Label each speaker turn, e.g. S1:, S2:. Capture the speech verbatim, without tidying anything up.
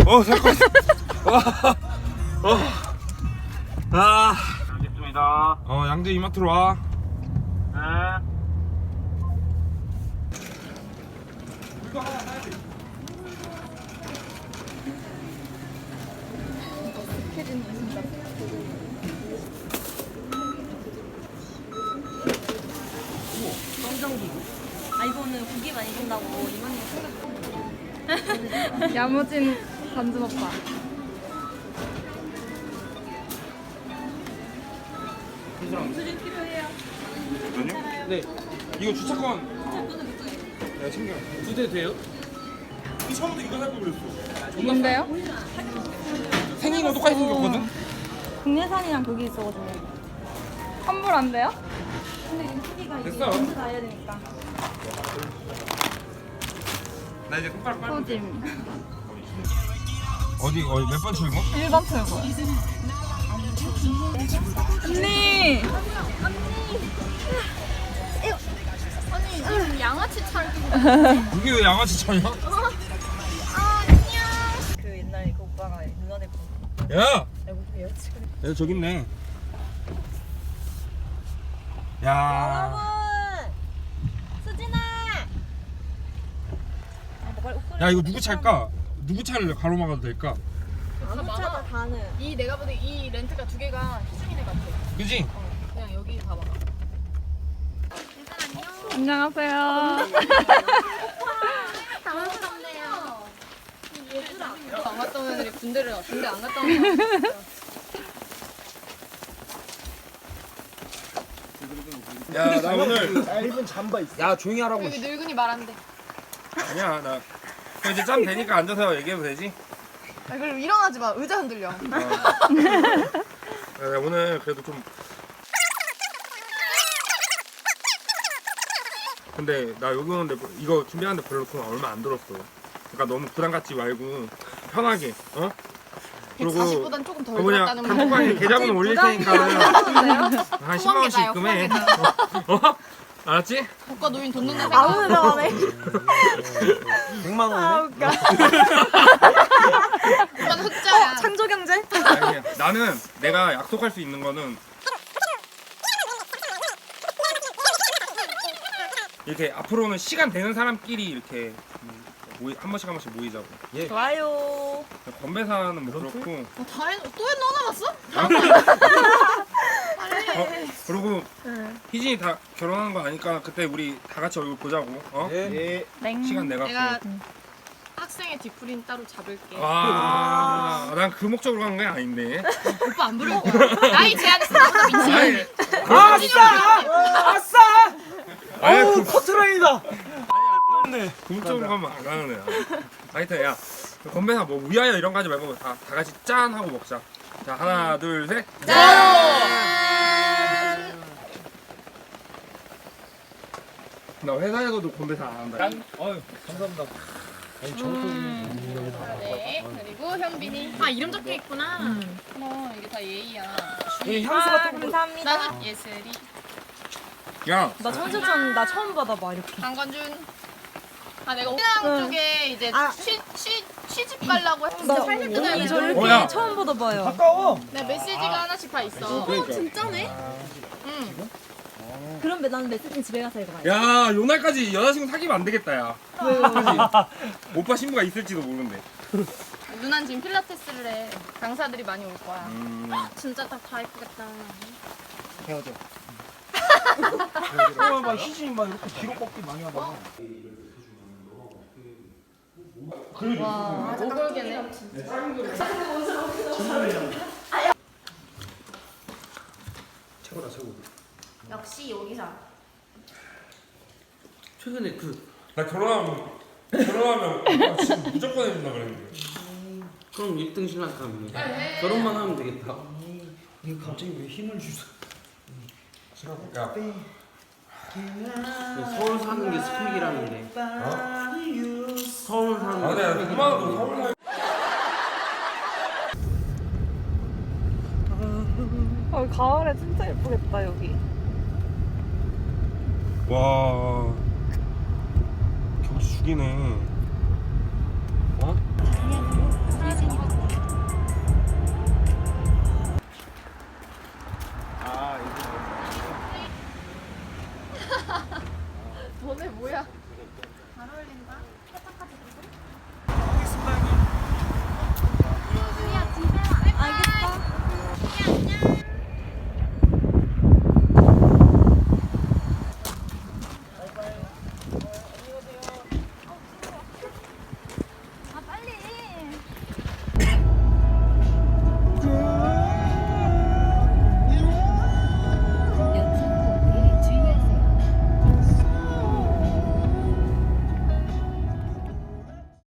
S1: 어 잠깐. 어. 아.
S2: 알겠습니다.
S1: 어 양재 이마트로 와.
S2: 네.
S3: 아 이거는 고기 많이 준다고 이모님 생각.
S4: 야무진 단준 오빠.
S3: 수준 필요해요.
S1: 아니요? 네. 이거 주차권. 내가 챙겨. 두 대 돼요? 처음부터 이거 살 걸 그랬어.
S4: 뭔데요?
S1: 생긴 거 똑같이 생겼거든?
S3: 국내산이랑 거기 있어가지고.
S4: 환불 안 돼요?
S3: 근데 이 크기가 이게
S1: 됐어.
S3: 전부 다 해야 되니까.
S1: 나 이제 손가락 빨면 돼.
S4: 소짐.
S1: 어디 어디 몇 번 출고?
S4: 일 번 출구. 언니. 언니 양아치 차를 끼고.
S1: 이게 왜 양아치 차냐?
S3: 그 옛날에 그 오빠가 누나네 분.
S1: 야!
S3: 알고 계세요? 지금.
S1: 야 저기 있네. 야.
S3: 여러분, 수진아. 아, 뭐 빨리 옷걸이
S1: 야 이거 누구 차일까? 누구 차를 가로막아도 될까?
S3: 아무 차다 다는.
S5: 이 내가 보기엔 이 렌트가 두 개가 희중이네 같아.
S1: 그지?
S5: 그냥 여기 봐봐.
S4: 안녕하세요.
S3: 당황스럽네요.
S5: 안 갔다 온 애들이 군대를 가. 군대 안 갔다 온 애들.
S1: 야 나 오늘
S2: 얇은 잠바 있어.
S1: 야 조용히 하라고.
S5: 여기 늙은이 말 안 돼.
S1: 아니야 나 그럼 이제 짬 되니까 앉아서 얘기해도 되지?
S5: 아, 그럼 일어나지 마. 의자 흔들려.
S1: 어. 야, 나 오늘 그래도 좀 근데 나 여기 오는데 이거 준비하는데 별로 돈 얼마 안 들었어. 그러니까 너무 부담 갖지 말고 편하게 어?
S5: 사십보단 조금 덜
S1: 그 뭐냐
S5: 들었다는
S1: 단톡방에 계좌번호 올릴 테니까 한 십만 원씩
S5: 계좌요,
S1: 입금해. 어? 어? 알았지?
S5: 국가 노인 돈 넣는 생각.
S3: 아무 데나 안 해.
S2: 백만 원이네.
S3: 아 웃겨.
S5: 국가는 흑자야.
S3: 창조 경제?
S1: 아니야. 나는 내가 약속할 수 있는 거는 이렇게 앞으로는 시간 되는 사람끼리 이렇게 모이, 한 번씩 한 번씩 모이자고. 예.
S3: 좋아요.
S1: 건배사는 뭐 그렇고.
S5: 어, 다 해. 또 해? 넣어놨어?
S1: 어, 그리고 희진이 다 결혼하는 거 아니까 그때 우리 다 같이 얼굴 보자고. 어?
S2: 예.
S4: 땡.
S1: 시간 내가.
S5: 내가 학생의 뒤풀이는 따로 잡을게.
S1: 아, 난 그 목적으로 간 게 아닌데.
S5: 오빠 안 부를 거야. 나이 제한에서 나보다 민지.
S1: 아니,
S2: 아, 아싸! 아싸!
S1: 아니,
S2: 어우,
S1: 그,
S2: 커트라인이다. 네.
S1: 그 목적으로 가면 안 가는 애야. 하여튼 야, 건배사 뭐 위하여 이런 거 하지 말고 다, 다 같이 짠 하고 먹자. 자, 하나, 둘, 셋. 나 회사에서도 건배사 안 한다.
S2: 어휴, 감사합니다. 아니, 저것도
S5: 네. 그리고 현빈이. 아 이름 적혀 있구나. 어 이게 다 예의야.
S2: 이 향수 같은 거.
S3: 감사합니다.
S5: 나는 예슬이.
S1: 야,
S3: 나 천수천 나 처음 받아봐 이렇게.
S5: 강건준. 아 내가 옥상 쪽에 이제
S3: 아.
S5: 취, 취, 취집 가려고 했는데
S3: 나
S5: 살짝 뜯어야
S3: 이
S5: 돼.
S3: 저렇게
S1: 어, 야.
S3: 처음 받아봐요.
S2: 가까워.
S5: 내 메시지가 하나씩 다 있어.
S1: 그러니까.
S3: 진짜네?
S5: 응.
S3: 그럼 나는 메시지 집에 가서 읽어봐요.
S1: 야, 요날까지 여자친구 사귀면 안 되겠다, 야. 그치? 오빠 신부가 있을지도 모르는데.
S5: 누난 지금 필라테스를 해. 강사들이 많이 올 거야.
S1: 음.
S5: 진짜 딱 다 예쁘겠다.
S2: 헤어져. 어, 막 희진이 막 이렇게 뒤로 꺾기 많이 하다가.
S5: 와, 오골개네.
S2: 최고다, 최고.
S3: 역시 여기서.
S2: 최근에 그
S1: 나 결혼하면, 결혼하면 오빠 지금 무조건 해준다 그랬는데.
S6: 그럼 일 등 신랑 사람이네. 결혼만 하면 되겠다.
S2: 이거 갑자기 왜 힘을 주소?
S1: 야,
S6: 서울 사는 게 스펙이라는데. 서울 사는
S1: 아,
S6: 게
S1: 내가
S6: 스펙이라는데.
S1: 그만하고 서울 살.
S4: 어, 가을에 진짜 예쁘겠다 여기.
S1: 와, 경치 죽이네.